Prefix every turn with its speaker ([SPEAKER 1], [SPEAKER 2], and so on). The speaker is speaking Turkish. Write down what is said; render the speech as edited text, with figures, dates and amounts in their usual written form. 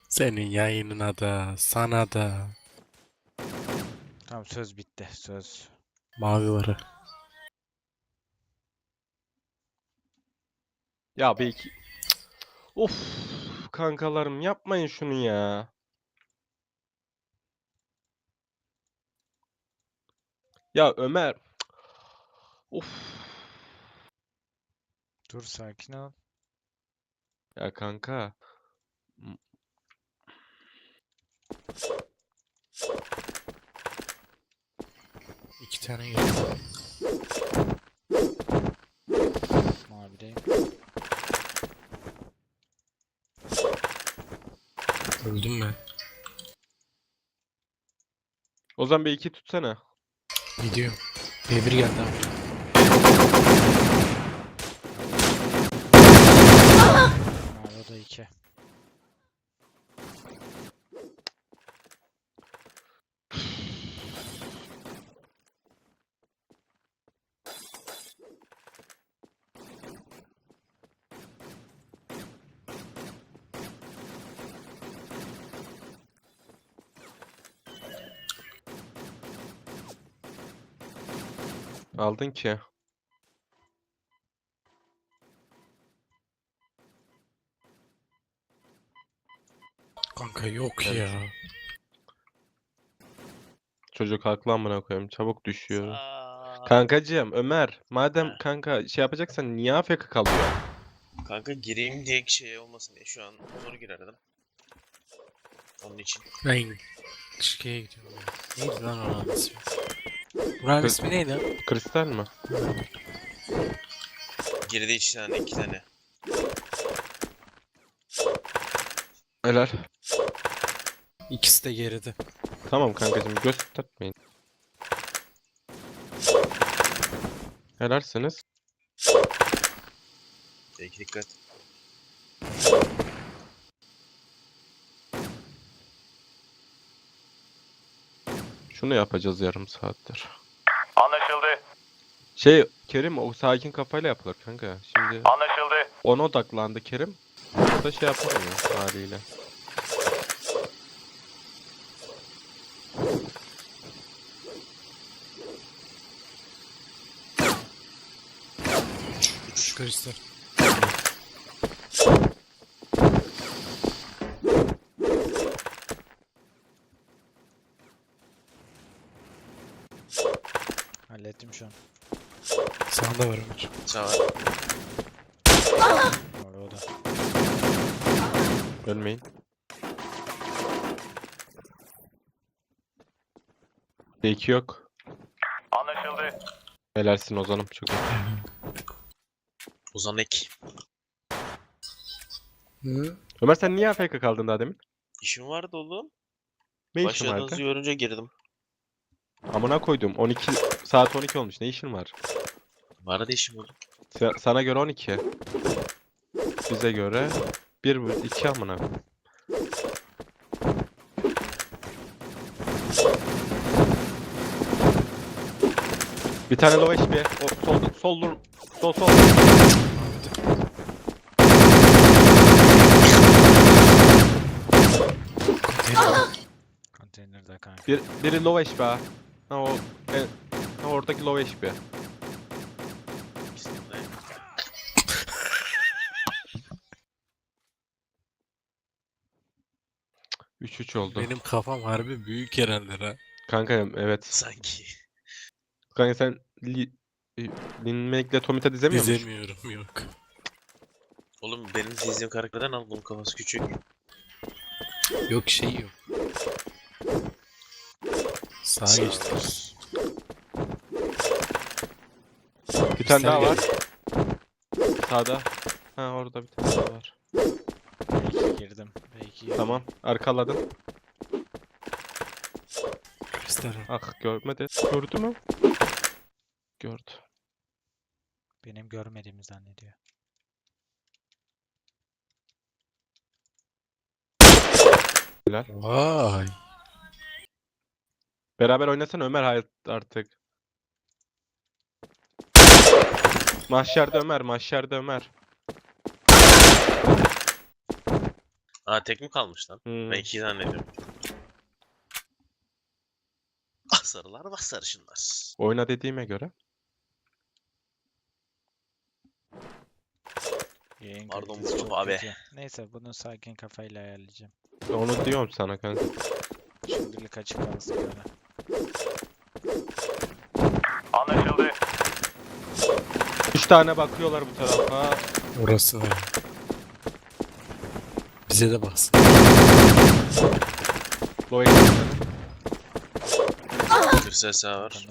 [SPEAKER 1] Senin yayınına da, sana da.
[SPEAKER 2] Tamam, söz bitti. Söz.
[SPEAKER 1] Mavi varı.
[SPEAKER 3] Ya belki... Of kankalarım yapmayın şunu ya. Ya Ömer. Of.
[SPEAKER 2] Dur, sakin ol.
[SPEAKER 3] Ya kanka.
[SPEAKER 1] İki tane geldi.
[SPEAKER 2] Mavideyim.
[SPEAKER 1] Öldüm ben.
[SPEAKER 3] Ozan bir iki tutsana.
[SPEAKER 1] Gidiyorum. B1 geldi abi.
[SPEAKER 2] Mavi da 2.
[SPEAKER 3] Aldın ki.
[SPEAKER 1] Kanka yok
[SPEAKER 3] Evet.
[SPEAKER 1] ya.
[SPEAKER 3] Çocuk haklı amına koyayım. Çabuk düşüyor.
[SPEAKER 4] Aa,
[SPEAKER 3] Kankacığım Ömer. Madem
[SPEAKER 4] Heh.
[SPEAKER 3] kanka şey yapacaksan niye AFK kalıyor?
[SPEAKER 4] kanka gireyim diye şey olmasın diye şu an Onur'u girerdim. Onun için.
[SPEAKER 1] Ben şikeye gidiyorum ya. Neydi lan oranın ismi? Buranın
[SPEAKER 3] Kız-
[SPEAKER 1] ismi neydi?
[SPEAKER 3] Kristal mi?
[SPEAKER 4] Geride iki tane.
[SPEAKER 3] Helal.
[SPEAKER 1] İkisi de geride.
[SPEAKER 3] Tamam kankacığım göstermeyin. Helalsiniz.
[SPEAKER 4] Peki dikkat.
[SPEAKER 3] Şunu yapacağız yarım saattir.
[SPEAKER 5] Anlaşıldı.
[SPEAKER 3] Şey Kerim o sakin kafayla yapılır kanka. Şimdi
[SPEAKER 5] Anlaşıldı.
[SPEAKER 3] ona odaklandı Kerim. O da şey yapamıyor haliyle.
[SPEAKER 1] Kristal.
[SPEAKER 2] Hallettim şu an.
[SPEAKER 1] Sağında var Ömer.
[SPEAKER 4] Sağ ol.
[SPEAKER 2] Mavi o da.
[SPEAKER 3] Ölmeyin. D2 yok.
[SPEAKER 5] Anlaşıldı.
[SPEAKER 3] Helalsin Ozan'ım çok iyi.
[SPEAKER 4] Ozan Ek.
[SPEAKER 1] Hı?
[SPEAKER 3] Ömer sen niye AFK kaldın daha demin?
[SPEAKER 4] İşim vardı oğlum.
[SPEAKER 3] Ne işin vardı?
[SPEAKER 4] Başladığınızı görünce girdim.
[SPEAKER 3] Amına koydum. 12 saat 12 olmuş. Ne işin var?
[SPEAKER 4] Vardı işim oğlum.
[SPEAKER 3] Sana göre 12. Bize göre 1 2 amına. Bir tane low HP. O sol.
[SPEAKER 2] Konteynerde kanka.
[SPEAKER 3] Biri low HP ha. Ha o ha, oradaki low HP.
[SPEAKER 4] İkisini de.
[SPEAKER 3] 3-3 oldu.
[SPEAKER 1] Benim kafam harbi büyük herhalde ha.
[SPEAKER 3] Kanka evet.
[SPEAKER 4] Sanki.
[SPEAKER 3] Kanka sen Lin Make'le Tomita dizemiyor musun?
[SPEAKER 1] Dizemiyorum yok.
[SPEAKER 4] Oğlum benim dizdiğim karakterden al, bunun kafası küçük.
[SPEAKER 1] Yok şey yok. Sağa geçti.
[SPEAKER 3] Bir tane daha var.
[SPEAKER 1] Kristal
[SPEAKER 3] Sağda. Ha orada bir tane daha var.
[SPEAKER 2] B2 girdim. B2
[SPEAKER 3] Tamam. Arkaladım.
[SPEAKER 1] Kristal.
[SPEAKER 3] Ah görmedi. Gördü mü? Gördü.
[SPEAKER 2] benim görmediğimi zannediyor.
[SPEAKER 3] Helal.
[SPEAKER 1] Vay.
[SPEAKER 3] Beraber oynasana Ömer hayat artık. Mahşerde Ömer.
[SPEAKER 4] Aa tek mi kalmış lan?
[SPEAKER 3] Hmm.
[SPEAKER 4] Ben 2 zannediyorum. Ah sarılar bak sarışınlar.
[SPEAKER 3] Oyna dediğime göre.
[SPEAKER 2] Yayın
[SPEAKER 4] Pardon
[SPEAKER 2] kalitesi
[SPEAKER 4] Mustafa
[SPEAKER 2] çok
[SPEAKER 4] abi.
[SPEAKER 2] kötü. Neyse bunu sakin kafayla ayarlayacağım.
[SPEAKER 3] Onu diyorum sana kanka.
[SPEAKER 2] Şimdilik açık kalsın böyle.
[SPEAKER 5] Anlaşıldı.
[SPEAKER 3] 3 tane bakıyorlar bu tarafa.
[SPEAKER 1] Orası var. Bize de baksın.
[SPEAKER 3] Low
[SPEAKER 4] Bir ses daha var.